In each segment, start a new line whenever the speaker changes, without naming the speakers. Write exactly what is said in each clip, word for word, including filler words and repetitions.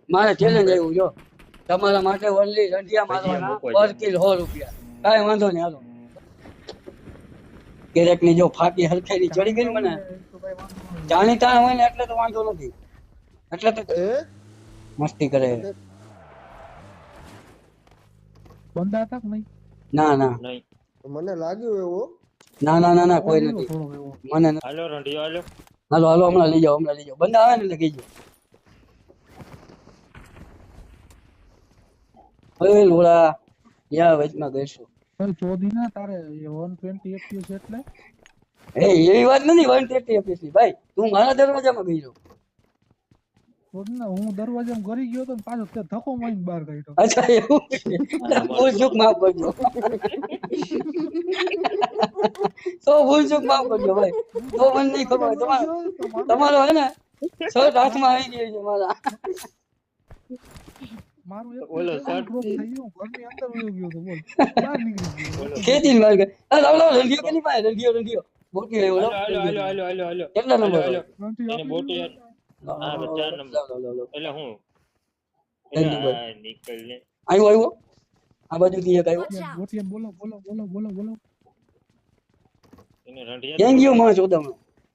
મારે ચેલેન્જ આવ્યું જો તમારા માટે ઓનલી રંઢિયા મારવાના પર કિલ સો રૂપિયા કાંઈ વાંધો નહીં હાલો ક્યારેક ની જો ફાટી હરખેરી ચડી ગઈ ને મને જાણીતા હોય ને એટલે તો વાંધો નથી એટલે તો મસ્તી કરે
બંદા હતા કે નહીં
ના ના
નહીં
મને લાગ્યું એવું
ના ના ના ના કોઈ નથી મને નથી.
હાલો રંઢિયો હાલો
હાલો હાલો હમણાં લઈ જાઓ હમણાં લઈ જાઓ બંદા આવે ને એટલે કહીજો હવે લોડા યા વચમાં ગઈશું
ભાઈ ચોધી ના તારે એકસો વીસ એફપીએસ એટલે
એ એવી વાત નથી વન થર્ટી એફપીએસ ની ભાઈ તું મારા દરવાજામાં ગઈ
ચોધી ના હું દરવાજામાં ગરી ગયો તો ને પાછો તે ધક્કો મારીને બહાર કાઢ્યો
અચ્છા એવું ભૂલ ચૂક માફ કરજો તો ભૂલ ચૂક માફ કરજો ભાઈ તો મને નહીં ખબર તમારો તમારો હે ને શર્ટ હાથમાં આવી ગયો છે મારા
મારું એક
ઓલો શર્ટ
ડ્રોપ થઈ ગયું ઘરની અંદર વયો ગયો તો બોલ બહાર નીકળી ગયો
ખેતી માર ગઈ આ લાવ લાવ રંધિયો કેની પાસે રંધિયો રંધિયો બોટી આવ્યો
હાલો
લાવ
હાલો હાલો હાલો હાલો
કેટલા નંબર
હાલો
ત્રણથી
એને
આપી
બોટી
દીધું.
હા બસ ચાર નંબર
લાવ લાવ લાવ
એટલે હું
જલ્દી બોલ.
આ નીકળ ને
આવ્યો આવ્યો આ બાજુથી એક આવ્યો
બોટિયા, બોટિયા, બોલો બોલો બોલો બોલો બોલો
એને રંઢિયા
ક્યાં ગયો માં ચોદામણો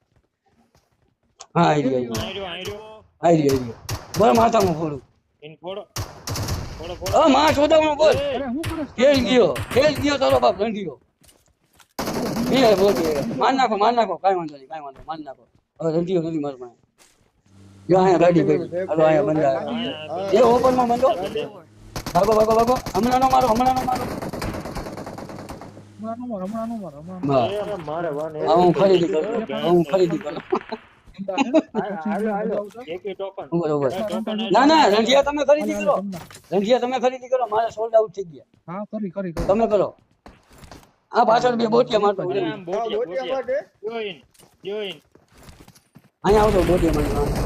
હા આવી ગયો
આયરો આયરો
આવી ગયો આવી ગયો બોલ માથામાં ફોડું
એને ફોડો ફોડો ફોડો
હા માં ચોદામણો બોલ
એ,
અરે હું કરે
ખેલ ગયો ખેલ ગયો તારો બાપ રંધિયો એ બોલ માર નાખો માર નાખો કાંઈ વાંધો નહીં કાંઈ વાંધો માર નાખો હવે રંધિયો નથી માર પાસે જો અહીંયા ગાડી પડી હાલો અહીંયા બંધા એ ઓપન માં બંધો ભાગો ભાગો ભાગો હમણાં નો મારો હમણાં નો મારો
હમણાં નો માર હમણાં નો માર હમણાં નો
બસ.
અરે મારે વાને
હવે હું ખરીદી કરું હવે હું ખરીદી કરું
હાલો હાલો એકે ટોકન
ઉભો ઉભો
ટોકન
ના ના રંધિયા તમે ખરીદી કરો રંધિયા તમે ખરીદી કરો મારે સોલ્ડ આઉટ થઈ ગયા
હા કરી કરી કરી
તમે કરો આ પાછળ બે બોટિયા મારતો
અરે
અહીંયા
આમ
હા
બોટિયા
બોટિયા
બોટિયા
માટે
જોઈન જોઈન
આવતો બોટિયા મારતો
અરે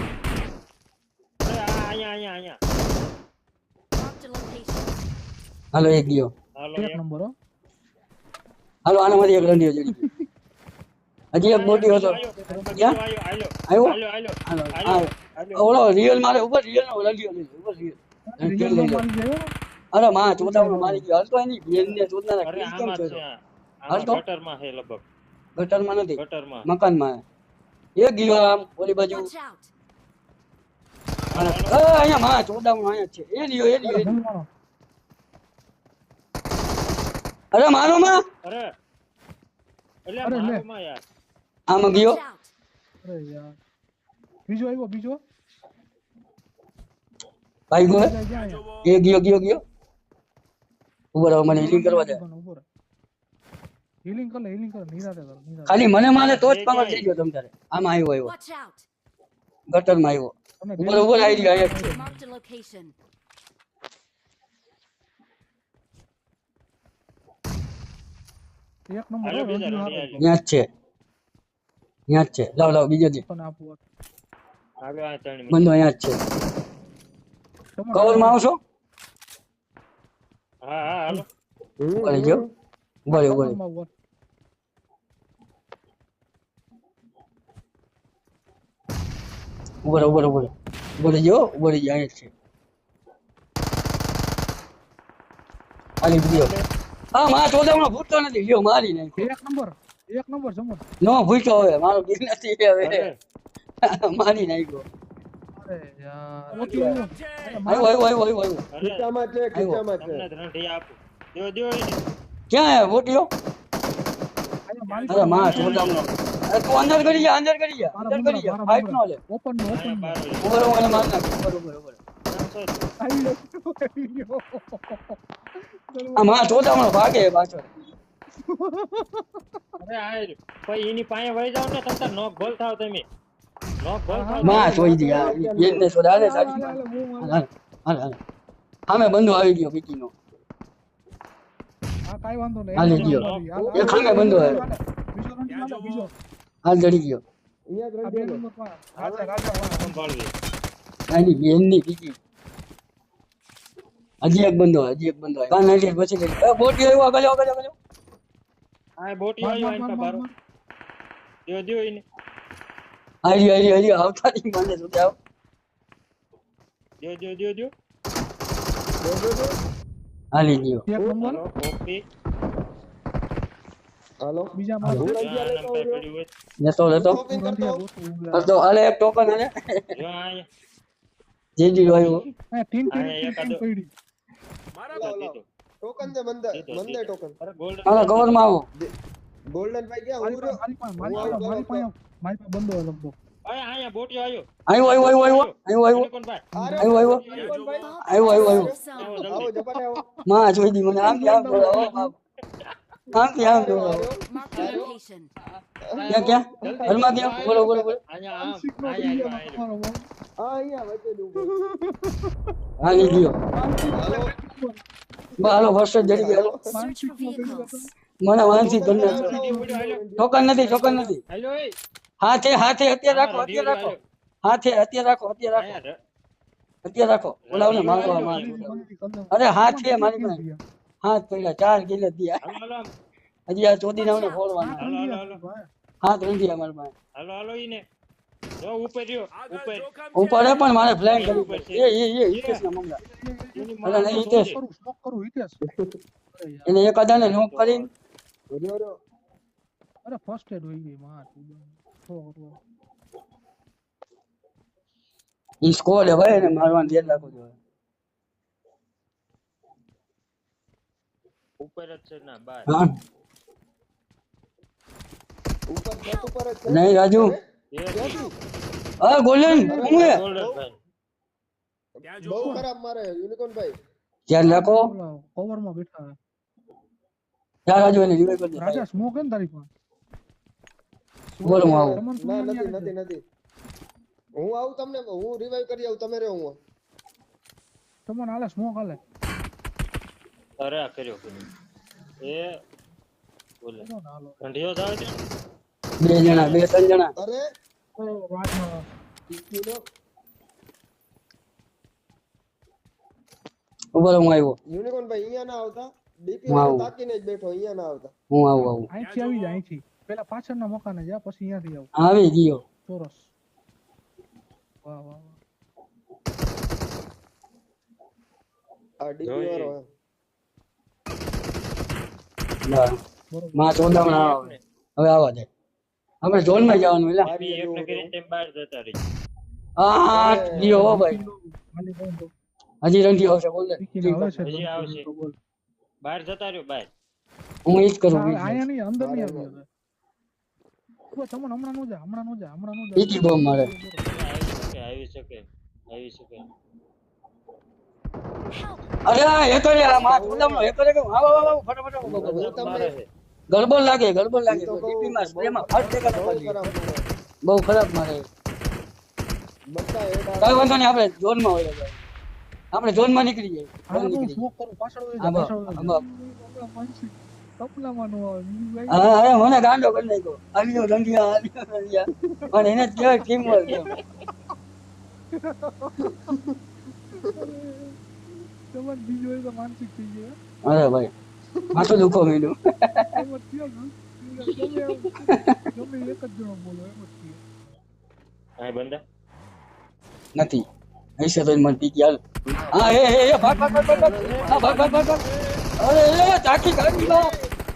આ અહીંયા અહીંયા અહીંયા
Marked a location.
હાલો એક ગયો
હાલો
એક
એક
નંબર હો
હાલો આનામાંથી એક રંધિયો જડી ગયો હજી એક બોટી હતો ક્યાં?
આયો
આવ્યો?
આયો આયો
હાલો
આયો
આ ઓલો રિયલ મારે ઉપર રિયલ નો રંધિયો લઈ લો ઉપર રિયલ
રિયલ
લઈ લો
મારી ગયો
અરે માં ચોદામણો મારી ગયો હલતો એની બેન ને ચોદનારા
અરે
કેમ કેમ
આમાં
છે
છે
હાલ તો.
આમાં ગટરમાં છે લગભગ
ગટરમાં નથી
ગટરમાં
મકાનમાં એક ગયો આમ ઓલી બાજુ
Watch out.
અને અ, અહીંયા માં ચોદામણો અહીંયા જ છે એ લ્યો એ લ્યો એ લ્યો.
મારો
અરે મારો માં
અરે એટલે
અરે લે.
મારમાં યાર
આમાં ગયો
Watch out.
અરે યાર બીજો આવ્યો બીજો
ભાઈ ગયો
જાય, જાય, જાય.
એ ગયો ગયો ગયો ઉભો રહો મને હિલિંગ કરવા દે
ઉભો રહે. હીલિંગ કર લે હીલિંગ કર નિરાતે કર નિરાતે
ખાલી મને મારે તો જ પાવર થઈ ગયો તમ તારે આમાં આવ્યો આવ્યો
Watch out.
ગટરમાં આવ્યો
તમે
ઉપર ઉપર આવી ગયો અહીંયા જ છે
Marked a location.
એક નંબર
હાલો
હો,
બીજા
રંગીલો
રંઢિયા
હાથે.
અહીંયા જ છે અહીંયા જ છે લાવ લાવ બીજો દે
તને આપું હોત.
હાલો આ ત્રણ
બંધો અહીંયા જ છે
તમારે
કવર માં આવશો
હા હા હાલો
ઉભો રહી ગયો ઉભો રહી ઉભો રહી
કવરમાં હોત.
ઉભો રહે ઉભો રહે ઉભો રહે ઉભો રહી ગયો ઉભો રહી ગયો અહીંયા જ છે આલી ગયો હા માં ચોદામણો ભૂટતો નથી લ્યો મારી નાખ્યો
એક નંબર એક નંબર જમો
નો ભૂટતો હવે મારો ગીર નથી હવે
અરે
મારી નાખ્યો
અરે યાર ઓકે આવ્યો.
આવ્યો આવ્યો આવ્યો આવ્યો આવ્યો
અરે
ખીચામાં છે ખીચામાં છે
તમને રંઢિયા આપું દો દો એને
ક્યાં આવ્યો બોટીઓ
આયા મારી
અરે માં ચોદામણો અરે તું અંદર કરી જા અંદર કરી જા
મારા
અંદર કરી જા
મારા
ફાઈટ નો લે
ઓપન નો ઓપન
અહીંયા
નો
બાર હોય.
ઉભો રહો મને માર નાખ ઉભો રહો, ઉભો રહો, ઉભો રહો.
આવી ગયો, આવી ગયો.
આ માં ચોદામણો ભાગે પાછળ
અરે આ રહ્યું. પછી એની પાસે વહી જાવ ને તમ તાર નોક ભલ થાવ તમે નોક ભલ થાવ
માં જોઈ દી આ એને છોડા હાલે
હાલે,
સાચી
હાલે, બહુ હાલે.
હાલ હાલ હાલ સામે બંધો આવી ગયો પીકીનો
હા કાઈ વાંધો નહીં
હાલી ગયો.
હાલ,
એ ખાંગે બંધો હે.
બીજો રંગી હાલે, બીજો
હાલ જડી ગયો
અહીંયા જ
આ બે
રંગીલો.
નંબર માં રાજા રાજા વાળા.
સંભાળવી
આની બેનની પીકી હજી એક બંધો હજી એક બંધો કાન નાખી પછી ગઈ એ બોટી આવ્યો આગળ આગળ આગળ
આ બોટી
માર,
આવ્યો
માર,
આઈને
માર,
બારો
માર.
દો દો એને
હારી હારી હારી આવતા નહીં મને શું આવ
દ્યો દ્યો દ્યો દ્યો
દો, દો, દો.
હાલી ગયો
એક નંબર
હાલો કોપી
હાલો
બીજા
હા,
મારે
હું
જો
અહીંયા
આ
લેતો
નંબર
આવ્યો.
પડ્યું હોય
લેતો લેતો
શોપિંગ કરતો આવું.
કરતો હાલે એક ટોકન હાલે
જો અહીંયા
જીજી આવ્યો
હા ટીન ટીન
અહીંયા
ટીન
એકાદો.
પડી
લાવ, લાવ.
દીધો.
ટોકન દે મંદે
દીધો,
મંદે
દીધો.
ટોકન
અરે ગોલ્ડન
હાલો કવર માં આવો
ગોલ્ડન ભાઈ ગયા
મારી
હું
પાસે
રહ્યો.
મારી પાસે મારી પાસે મારી પાસે બંધો લગભગ
અહીંયા અહીંયા બોટિયો આવ્યો
આવ્યો આવ્યો આવ્યો આવ્યો આવ્યો આવ્યો
કોણ ભાઈ
આરે,
આવ્યો, આવ્યો.
યુનિકોર્ન ભાઈ.
આવ્યો આવ્યો આવ્યો
Zone.
આવો
આવો
જલ્દી
જપાને આવો.
માં જોઈ દી મને આમ આમ દોડાવો આમથી આમ દોડાવો
Marked a location.
ક્યાં ક્યાં ઘરમાં ક્યાં બોલો બોલો બોલો
અહીંયા આમ
માનસિક નો
અહીંયા
video
આવ્યો, આવ્યો.
તમારો બહુ.
હા અહીંયા વચ્ચે જ ઊભો.
હાલી ગયો
હાલો
બા હાલો વર્ષ જડી ગયો
Search for
માનસિક નો video
vehicles.
મને વાંચી કરી નાખો
સીધી પડ્યો, હાલો.
ટોકન નથી ટોકન નથી
હાલો, એ.
હાથે હાથે અત્યારે રાખો
હા,
અત્યારે રાખો
હાલો.
હાથે અત્યારે રાખો અત્યારે રાખો
અહીંયા ર-
અત્યારે રાખો ઓલાવને મારવા માર અરે હાથે મારી પાસે હાથ પડ્યા ચાર કિલો દિયા
હાલો, હાલો આમ.
હજી આ ચોદી નાવને ફોડવાના
હાલો, હાલો, હાલો.
હાથ નથી અમારી પાસે
હાલો હાલો ઈને જો ઉપર રહ્યો ઉપર
ઉપર પણ મારે ફ્લેન કરવી પડશે એ એ એ હિતેશ ના મમલા
એની
અલા, નહીં, હિતેશ.
કરું સ્મોક કરું હિતેશ
એને એક અદાને નોક કરીને
રહ્યો રહ્યો.
અરે ફર્સ્ટ એડ હોય ગઈ માં
ઈ સ્કોર હે ભાઈ એને મારવાનું ધ્યાન રાખવું જોઈએ
ઉપર જ છે ના બાર
હા
ઉપર છત ઉપર જ છે.
નહીં રાજુ
એ
હા ગોલ્ડન હું હે
ગોલ્ડન ભાઈ
બહુ ખરાબ મારે યુનિકોર્ન ભાઈ.
ધ્યાન રાખો
કવર માં બેઠા હે.
જા રાજુ એને રિવાઇવ કરી દે
રાજા સ્મોક હે ને તારી પાસે
બોલો હું આવું
તમને
ના
તું
નથી
નથી
નથી નથી હું આવું તમને હું રિવાઈવ કરી આવું તમે રહ્યો હું
તમને હાલે સ્મોક હાલે
અરે આ કર્યો કર્યો. એ બોલે
ચલો ને હાલો
ઠંડીઓ જાવે છે
બે જણા બે ત્રણ જણા
અરે
તો રાજમાં
ટીકીનો
ઉપર હું આવ્યો
યુનિકોર્ન ભાઈ અહીંયા ના આવતા ડીપી
હું
વાળો
આવું.
તાકીને જ બેઠો અહીંયા ના આવતા
હું આવું આવું
અહીંથી આવી જાય અહીંથી પેલા પાછળના મકાને જા પછી અહીંયાથી આવ
આવી ગયો
ચોરસ વાહ વાહ વાહ
આ ડીપી
જોઈએ.
વાળો હે.
ના
બરોબર
માં ચોદામણા આવે હવે આવા દે આપણે ઝોન માં જવાનું એટલે
બી એકને કરીને તેમ બહાર જતા રહી
આ ગયો હો ભાઈ
ખાલી બોલ દો
હજી રંધી આવશે બોલ દે
ટીકીને આવે છે
હજી આવશે.
તો બોલ
બહાર જતા રહ્યો બહાર
હું ઈ જ કરું
આ-
બીજું
આયા નહીં અંદર નહીં આવી હવે ઉભો, તમને હમણાં નો જા હમણાં નો જા હમણાં નો જા
ઈજી બોમ્બ મારે
આવી શકે આવી શકે આવી શકે
અરે આ એ કરે આ માં ચોદામણો એ કરે કે આવો આવો આવો ફટાફટ આવો, આવો, આવો.
હું તમને
મારે છે.
ગડબડ લાગે ગડબડ લાગે
ઈ તો બહુ-
ડીપી માં સ્પ્રે માં ફટ દેખાતો
બહુ
પાડી
ખરાબ મારે.
બહુ ખરાબ મારે
બધા હેડ
કઈ વાંધો નહીં આપણે ઝોન માં હોય જાય આપણે ઝોન માં નીકળી જાય
હા
ઝોન
હું
નીકળી
સ્મોક કરું પાછળ વળી
જાય
જા
આમાં,
પાછળ વળી
આમાં.
જા માનસી કપલામાં નો આવે બીજું કઈ
હા અરે મને ગાંડો કરી નાખ્યો આલ્યો રંધિયા આલ્યો રંધિયા પણ એને જ કહેવાય ટીમ વર્ક એમ
તમારે બીજું હોય તો માનસિક થઈ જાય
અરે ભાઈ માથું દુખો મીડું
એમ જ થયો ને ગમે એમ- ગમે એક જ જણો બોલો એમ જ થયો
હા બંદા
નથી હશે તો મને પીકી હાલ હા એ એ એ ભાગ ભાગ ભાગ ભાગ ભાગ. હા ભાગ ભાગ ભાગ ભાગ. અરે એ આખી ગાડી માં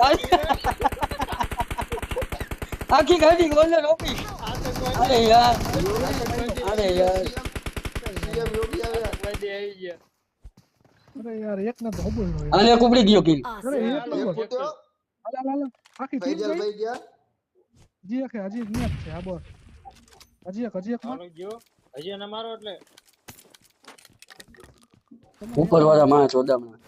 આખી ગાડી ગોલે રોકી અરે યાર અરે યાર
સીએમ યોગી આવ્યા
આવી ગયા
અરે યાર એક ને તો હબળ નો યાર.
આને કુપડી ગયો કિલ
અરે
Awesome.
એક
એક
નંબર
ફૂટ્યો
હાલ હાલ હાલ આખી ટીમ
ફૈજલ
ગઈ
ભાઈ ગયા
હજી એક હજી એક નિયત છે આ બોલ હજી એક હજી એક માં
હાલો ગયો હજી એને મારો એટલે
ઉપર વાળા માણસ ચોદામણા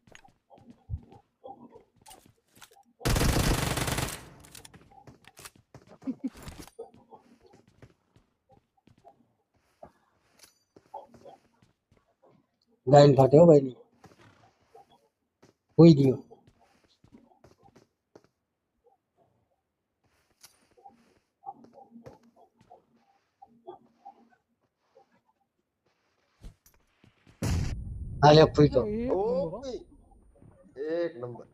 લાઈન ફાટે હો ભાઈ ની હોઈ ગયો હાલે ફૂટો
એક નંબર હો.
ઓપી એક નંબર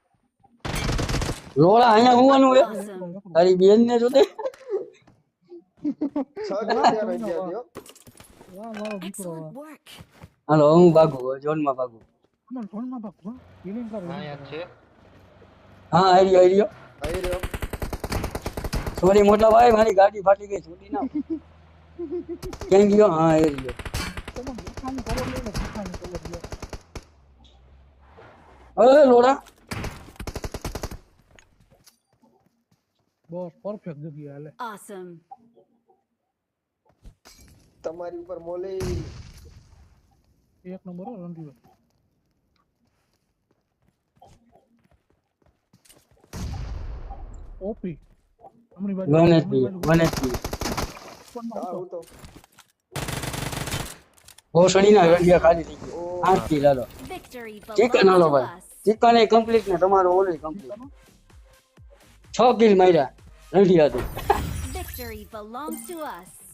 રોળા અહીંયા હોવાનું હે
Awesome.
તારી બેન ને જોતે
છ જણા ત્યાં રહી ગયા છો
વાહ મારો દીકરો વાહ.
Excellent work.
હાલો હું ભાગું ઝોનમાં ભાગું
અમાર ફોનમાં ભાગ હો હિલિંગ કર
અહીંયા છે
હા આર્યો આર્યો
આવી રહ્યો
સોરી મોટા ભાઈ મારી ગાડી ફાટી ગઈ છોડી ના ક્યાં ગયો હા આર્યો
તમે દેખાની કરો લે ને દેખાની કરો લે
અરે લોડા
બસ પરફેક્ટ જગ્યા હાલે
Awesome.
તમારી ઉપર મોલે
એક નંબર હો રણજીત ઓપી અમરી બાજુ
વન
અમરી
એચપી
બાજુ
વન એચપી
ફોનમાં
હા
હતો.
હું તો
ભોસડી ના રંડિયા ખાલી થઈ ગયો
ઓ
આઠ કિલ હાલો
Victory
ચિકન
belongs
હાલો
to
ભાઈ
us.
ચિકન એ કમ્પ્લીટ ને તમારો ઓલી કમ્પ્લીટ છ કિલ માર્યા રંડિયા થી
Victory belongs to us.